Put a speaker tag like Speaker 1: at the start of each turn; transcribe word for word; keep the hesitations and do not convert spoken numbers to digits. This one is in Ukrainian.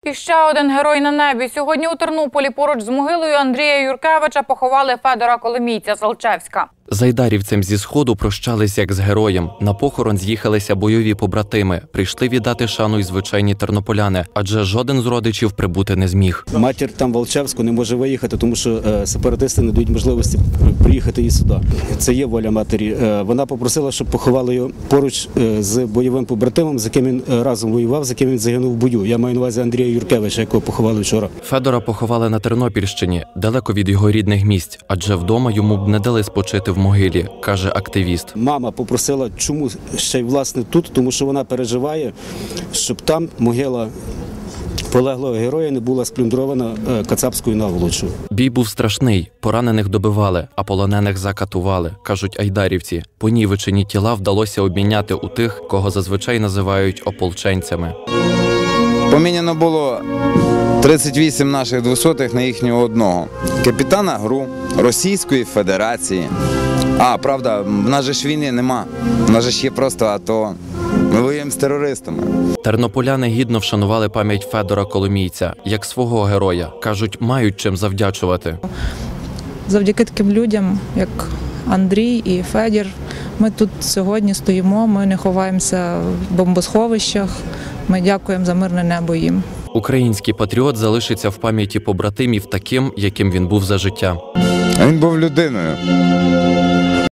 Speaker 1: І ще один герой на небі. Сьогодні у Тернополі поруч з могилою Андрія Юркевича поховали Федора Коломійця з Алчевська.
Speaker 2: З айдарівцем зі Сходу прощались як з героєм. На похорон з'їхалися бойові побратими. Прийшли віддати шану й звичайні тернополяни, адже жоден з родичів прибути не зміг.
Speaker 3: Матір там в Алчевську не може виїхати, тому що е, сепаратисти не дають можливості приїхати їй сюди. Це є воля матері. Е, вона попросила, щоб поховали його поруч е, з бойовим побратимом, з яким він е, разом воював, з яким він загинув в бою. Я маю на увазі Андрія Юркевича, якого поховали вчора.
Speaker 2: Федора поховали на Тернопільщині, далеко від його рідних місць, адже вдома йому б не дали спочити в могилі, каже активіст.
Speaker 3: Мама попросила, чому ще й власне тут, тому що вона переживає, щоб там могила полеглого героя не була сплюндрована кацапською наволочою.
Speaker 2: Бій був страшний, поранених добивали, а полонених закатували, кажуть айдарівці. Понівечені тіла вдалося обміняти у тих, кого зазвичай називають ополченцями.
Speaker 4: Поміняно було тридцять вісім наших двохсотих на їхнього одного. Капітана ГРУ Російської Федерації. А, правда, в нас же ж війни нема. В нас же ж є просто АТО. Ми воюємо з терористами.
Speaker 2: Тернополяни гідно вшанували пам'ять Федора Коломійця, як свого героя. Кажуть, мають чим завдячувати.
Speaker 5: Завдяки таким людям, як Андрій і Федір, ми тут сьогодні стоїмо, ми не ховаємося в бомбосховищах, ми дякуємо за мирне небо їм.
Speaker 2: Український патріот залишиться в пам'яті побратимів таким, яким він був за життя.
Speaker 4: Він був людиною.